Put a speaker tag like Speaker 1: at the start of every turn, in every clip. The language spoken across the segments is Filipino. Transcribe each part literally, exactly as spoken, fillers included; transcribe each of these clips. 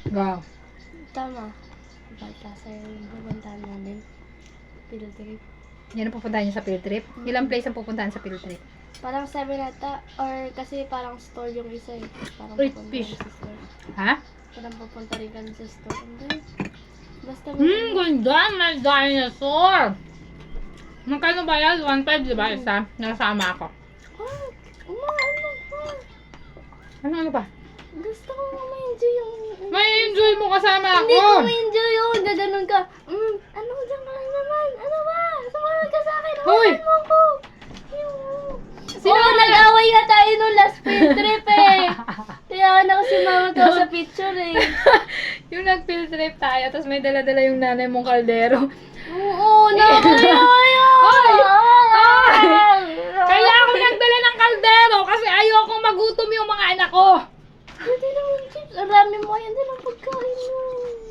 Speaker 1: Wow.
Speaker 2: Tama. Baltasar yung pupuntahan namin. Field trip.
Speaker 1: Yan ang pupuntahan niyo sa field trip? Ilang place ang pupuntahan sa field trip?
Speaker 2: Parang seven ata. Or kasi parang store yung isa eh. Parang
Speaker 1: Uy,
Speaker 2: pupunta
Speaker 1: fish.
Speaker 2: kami sa store.
Speaker 1: Ha?
Speaker 2: Parang pupunta rin kami sa store. Hindi. Basta
Speaker 1: Hmm, ganda! May dinosaur! Magkano ba yan? one five, di ba? Isa? Nasama ako.
Speaker 2: Ah, uma, ano pa?
Speaker 1: Ano, ano pa?
Speaker 2: Gusto ko nga ma-enjoy yung...
Speaker 1: May enjoy mo kasama
Speaker 2: Hindi ko
Speaker 1: ako!
Speaker 2: ma-enjoy yun. Gaganon ka. Mm, ano dyan ka naman? Ano ba? Sumunod ka sa akin.
Speaker 1: Hoy!
Speaker 2: Hawakan mo ko. Sino oh, nag-away nga tayo nung last field trip eh. Kaya na kasi mama to sa picture eh.
Speaker 1: Yung nag-field trip tayo, tapos may dala-dala yung nanay mong kaldero.
Speaker 2: Oo, na kayo,
Speaker 1: Hoy! Hoy! Kaya ako nagdala ng kaldero kasi ayoko magutom yung mga anak ko.
Speaker 2: Pwede naman chips. Ang rami mo yan din ang pagkain mo.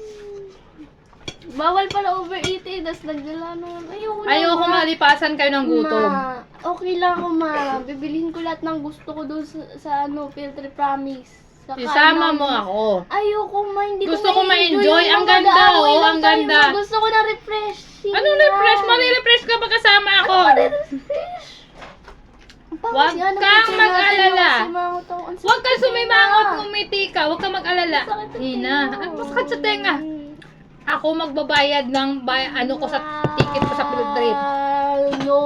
Speaker 2: Bawal pala overeating, tapos nagdala naman. Ayoko na.
Speaker 1: Ayoko
Speaker 2: ma.
Speaker 1: malipasan kayo ng gutom.
Speaker 2: Ma, okay lang ako ma. Bibilihin ko lahat ng gusto ko doon sa, sa ano, field trip, promise. Saka
Speaker 1: Isama
Speaker 2: ano,
Speaker 1: mo ako.
Speaker 2: Ayoko ma, hindi
Speaker 1: Gusto
Speaker 2: ko
Speaker 1: ko ma-enjoy.
Speaker 2: Yung
Speaker 1: Ang
Speaker 2: mga
Speaker 1: ganda,
Speaker 2: mag-aaway
Speaker 1: oh,
Speaker 2: lang
Speaker 1: ang
Speaker 2: tayo,
Speaker 1: ganda.
Speaker 2: ma. Gusto ko na refreshing.
Speaker 1: Anong refresh? Mali-refresh ka pa kasama ako.
Speaker 2: Ano refresh?
Speaker 1: Huwag kang mag-alala. Huwag kang sumimangot, ngumiti ka. Huwag kang mag-alala. Hina, ano masakit sa tenga? Ako magbabayad ng bay ano ko sa ticket ko sa field trip.
Speaker 2: No.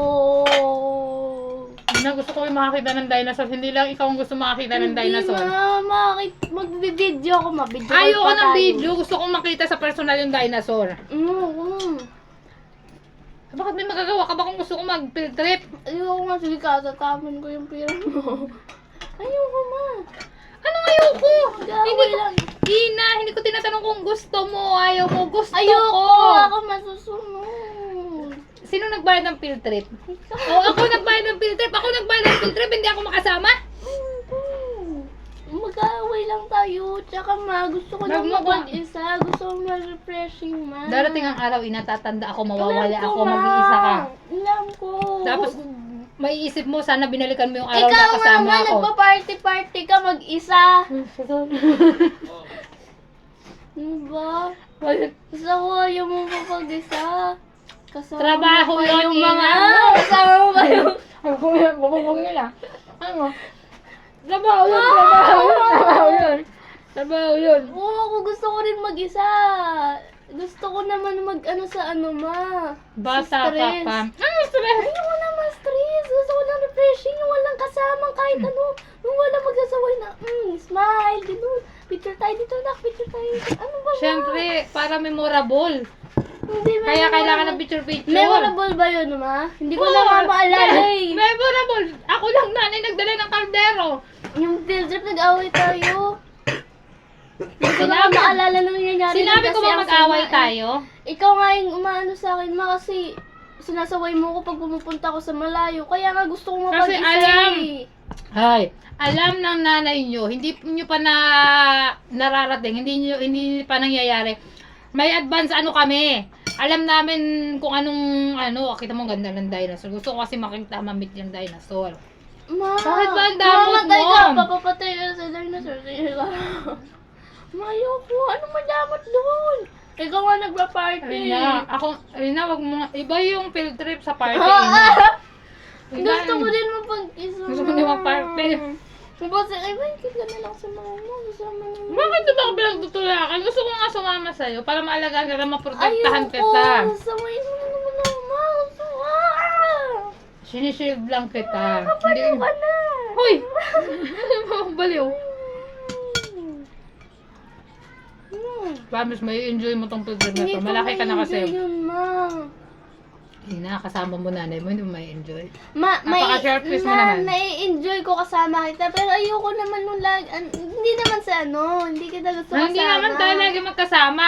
Speaker 1: Hina, gusto ko yung makakita ng dinosaur. Hindi lang ikaw ang gusto makakita ng dinosaur.
Speaker 2: Hindi ma, makakit, mag-video ako ma. Video call
Speaker 1: Ayoko
Speaker 2: pa
Speaker 1: ng
Speaker 2: tayo.
Speaker 1: video. Gusto kong makita sa personal yung dinosaur.
Speaker 2: Mm, mm.
Speaker 1: Bakit may magagawa ka ba kung gusto kong mag-field trip?
Speaker 2: Ayoko nga, sige ka, tataman ko yung pira mo. Ayoko ma.
Speaker 1: Anong ayoko?
Speaker 2: Gawin
Speaker 1: Hindi ko,
Speaker 2: lang.
Speaker 1: Hina, hindi ko tinatanong kung gusto mo, ayaw mo, gusto
Speaker 2: Ayoko,
Speaker 1: ko.
Speaker 2: ako masusunod.
Speaker 1: Sino nagbayad ng field trip?
Speaker 2: Ikaw.
Speaker 1: O ako nagbayad ng field trip, ako nagbayad ng field trip, hindi ako makasama?
Speaker 2: Mag-aaway lang tayo. Tsaka ma, gusto ko lang
Speaker 1: Wag mo ko-
Speaker 2: mag-isa. Gusto ko ma-refreshing ma.
Speaker 1: Darating ang araw, inatatanda ako, mawawala
Speaker 2: Alam ko,
Speaker 1: ako,
Speaker 2: ma.
Speaker 1: mag-iisa ka.
Speaker 2: Alam ko.
Speaker 1: Tapos, maiisip mo, sana binalikan mo yung araw
Speaker 2: ikaw
Speaker 1: na
Speaker 2: nga
Speaker 1: kasama
Speaker 2: ma,
Speaker 1: ako.
Speaker 2: nagpa-party-party ka mag-isa. Ano ba? Gusto ko ayaw mo pa pag-isa. Kasama
Speaker 1: Trabaho
Speaker 2: mo pa
Speaker 1: yun,
Speaker 2: yung
Speaker 1: Ina.
Speaker 2: mga... Kasama mo pa yung...
Speaker 1: Ang kuya, bububog nila. Ano? Trabaho yun, trabaho yun, trabaho yun. Trabaho yun.
Speaker 2: Oo, ako gusto ko rin mag-isa. Gusto ko naman mag-ano sa ano ma.
Speaker 1: Bata
Speaker 2: sa
Speaker 1: ka
Speaker 2: stress.
Speaker 1: pa. Ano stress?
Speaker 2: Ayoko na ma-stress. Gusto ko lang refreshing. Yung walang kasamang kahit ano. Yung walang magsasaway na, mm, smile, gano'n. Picture tayo dito, nak. Picture tayo dito. Ano ba ba?
Speaker 1: Siyempre, para memorable.
Speaker 2: Hindi,
Speaker 1: Kaya
Speaker 2: memorable.
Speaker 1: kailangan ng picture-picture.
Speaker 2: Memorable ba yun, ma? Hindi ko
Speaker 1: Oo,
Speaker 2: na nga maalala
Speaker 1: me-
Speaker 2: eh.
Speaker 1: Memorable. Ako lang nanay nagdala ng kaldero.
Speaker 2: Yung field trip, nag-away tayo. Hindi ko na nga
Speaker 1: Sinabi-
Speaker 2: maalala na nangyayari.
Speaker 1: Sinabi
Speaker 2: nun
Speaker 1: ko
Speaker 2: kasi
Speaker 1: ba
Speaker 2: ang
Speaker 1: mag-away
Speaker 2: sama eh.
Speaker 1: tayo?
Speaker 2: Ikaw nga yung umaano sa akin, ma, kasi sinasaway mo ko pag pumupunta ako sa malayo. Kaya nga gusto ko
Speaker 1: Kasi
Speaker 2: mapag-isa
Speaker 1: alam.
Speaker 2: eh.
Speaker 1: Ay, alam ng nanay nyo, hindi nyo pa na nararating, hindi nyo, hindi pa nangyayari. May advance ano kami. Alam namin kung anong, ano, kita mo ang ganda ng dinosaur. Gusto ko kasi makita, mamit yung dinosaur.
Speaker 2: Ma,
Speaker 1: Bakit ba ang damot
Speaker 2: mamatay
Speaker 1: mo?
Speaker 2: ka, papapatay ka sa dinosaur. Sige ka. Mayoko, ano madamot doon? Ikaw nga nagpa-party.
Speaker 1: Rina, ako, Rina, wag mo, nga- iba yung field trip sa party.
Speaker 2: Ah,
Speaker 1: Ina.
Speaker 2: ah.
Speaker 1: Iba
Speaker 2: Gusto ko
Speaker 1: yung-
Speaker 2: din mapag-isa.
Speaker 1: Gusto ko din mag-party.
Speaker 2: Kasi, ay, ba, ka na lang sa mga mo. Kasama naman.
Speaker 1: Bakit di ba ako pinagtutulakan? Gusto ko nga sumama sa'yo para maalagaan ka na maprotektahan
Speaker 2: Ayoko.
Speaker 1: kita.
Speaker 2: Sawayin mo na naman ako, ma. Gusto ko. Ah!
Speaker 1: Sinishield lang kita.
Speaker 2: Kapaliw ka na.
Speaker 1: Hoy! Ano mo ako baliw?
Speaker 2: Hmm.
Speaker 1: Promise, may enjoy mo tong program na
Speaker 2: Hindi
Speaker 1: to.
Speaker 2: ko
Speaker 1: Malaki ka na
Speaker 2: ma-enjoy
Speaker 1: kasi.
Speaker 2: yun, ma.
Speaker 1: Hindi na, kasama mo nanay mo, hindi mo may enjoy.
Speaker 2: Ma, may,
Speaker 1: Napaka-sharpish mo
Speaker 2: ma,
Speaker 1: naman.
Speaker 2: nai-enjoy ko kasama kita, pero ayoko naman nung lag, an- hindi naman sa ano, hindi kita gusto kasama.
Speaker 1: Hindi naman tayo lagi magkasama.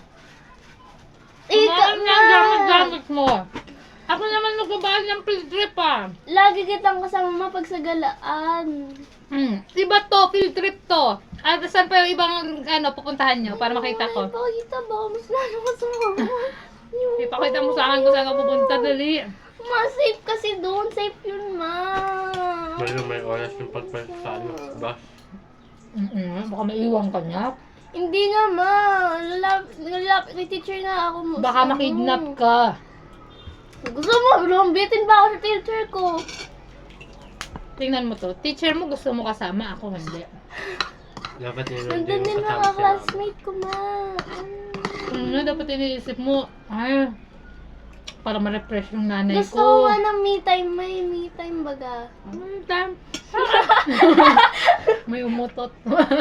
Speaker 2: Ikaw
Speaker 1: Kumain
Speaker 2: nga.
Speaker 1: ng gamit-gamit mo. Ako naman magbabayad ng field trip ah.
Speaker 2: Lagi kitang kasama ma pag sa galaan.
Speaker 1: Hmm. Iba to, field trip to. At saan pa yung ibang ano, pupuntahan nyo para makita ko?
Speaker 2: Ay, pakita ba? Mas lalo kasama mo.
Speaker 1: Ipakita mo sa akin kung saan ka pupunta, dali.
Speaker 2: Ma, safe kasi doon. Safe yun, ma.
Speaker 3: May may oras yung pagpalit sa ano, bus.
Speaker 1: Mm-mm, baka maiwan ka niya.
Speaker 2: Hindi naman. Lalapit, lalapit kay teacher na ako. mo-
Speaker 1: Baka
Speaker 2: ano.
Speaker 1: makidnap ka.
Speaker 2: Gusto mo, lumbitin ba ako sa teacher ko?
Speaker 1: Tingnan mo to. Teacher mo gusto mo kasama, ako hindi.
Speaker 3: Dapat yun
Speaker 2: Nandun din mga classmate ko, ma. Mm.
Speaker 1: Ano, dapat iniisip mo, ay, para ma-refresh yung nanay
Speaker 2: Gusto ko
Speaker 1: ko.
Speaker 2: nga ng me time. May me time baga.
Speaker 1: Hmm, tam. May umutot.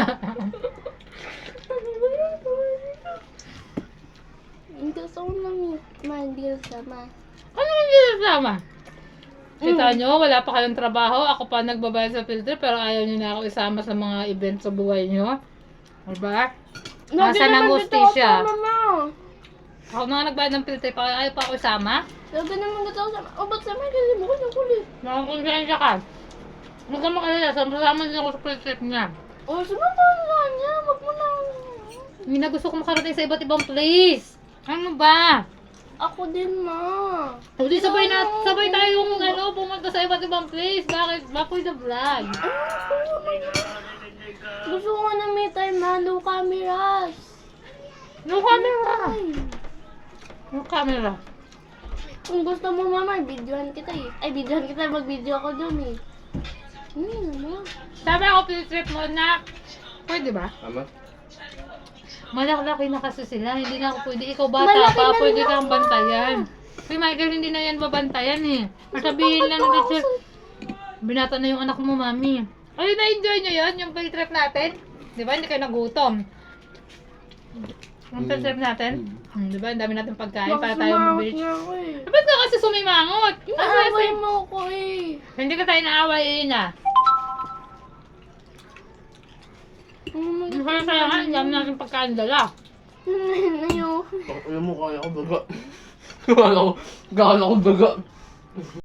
Speaker 2: Gusto ko ng me ma. Hindi ko sama.
Speaker 1: Ano hindi kasama? Kita nyo, wala pa kayong trabaho. Ako pa nagbabayad sa filter, pero ayaw nyo na ako isama sa mga event sa buhay nyo. Diba? Nasa ng hostisya. Ako na nga nagbayad ng filter, pa ayaw pa ako isama.
Speaker 2: Sabi naman gusto ko sama. O, ba't sama? Kasi mo ko ng kulit.
Speaker 1: Nakakonsensya ka. Huwag ka makalala, sama-sama din ako sa filter niya.
Speaker 2: O, sumama ka niya. Wag mo na.
Speaker 1: Hindi na gusto ko makarating sa iba't ibang place. Ano ba?
Speaker 2: Ako din, ma.
Speaker 1: O di sabay na, sabay tayong ano, pumunta sa iba't ibang place. Bakit? Bakoy the vlog.
Speaker 2: Gusto ko nga ng me time, ma. No cameras.
Speaker 1: No camera.
Speaker 2: Ay.
Speaker 1: No camera.
Speaker 2: Kung gusto mo, mama, videohan kita eh. Ay, videohan kita. Mag-video ako dun eh. Hmm, ano?
Speaker 1: Sabi ako, field trip mo na. Pwede ba?
Speaker 3: Tama?
Speaker 1: Malaki na kasi sila. Hindi na ako pwede. Ikaw bata
Speaker 2: Malaki
Speaker 1: pa.
Speaker 2: na
Speaker 1: Pwede
Speaker 2: nila,
Speaker 1: kang
Speaker 2: ma.
Speaker 1: bantayan. Si Michael hindi na yan babantayan eh. Masabihin lang ng teacher. Binata na yung anak mo, mami. Ay, na-enjoy nyo yun? Yung field trip natin? Di ba? Hindi kayo nagutom. Yung field trip natin? Hmm, di ba? Ang dami natin pagkain para tayo
Speaker 2: Sumangot
Speaker 1: beach.
Speaker 2: na ako eh.
Speaker 1: Ba't ka kasi sumimangot?
Speaker 2: Inaaway mo ko eh.
Speaker 1: Hindi ka tayo naaway na.
Speaker 2: Hmm,
Speaker 1: Yung kaya kaya nga, ang dami natin pagkain dala.
Speaker 2: Ayun.
Speaker 3: Alam mo, kaya ko baga. Kala ko, kala ko baga.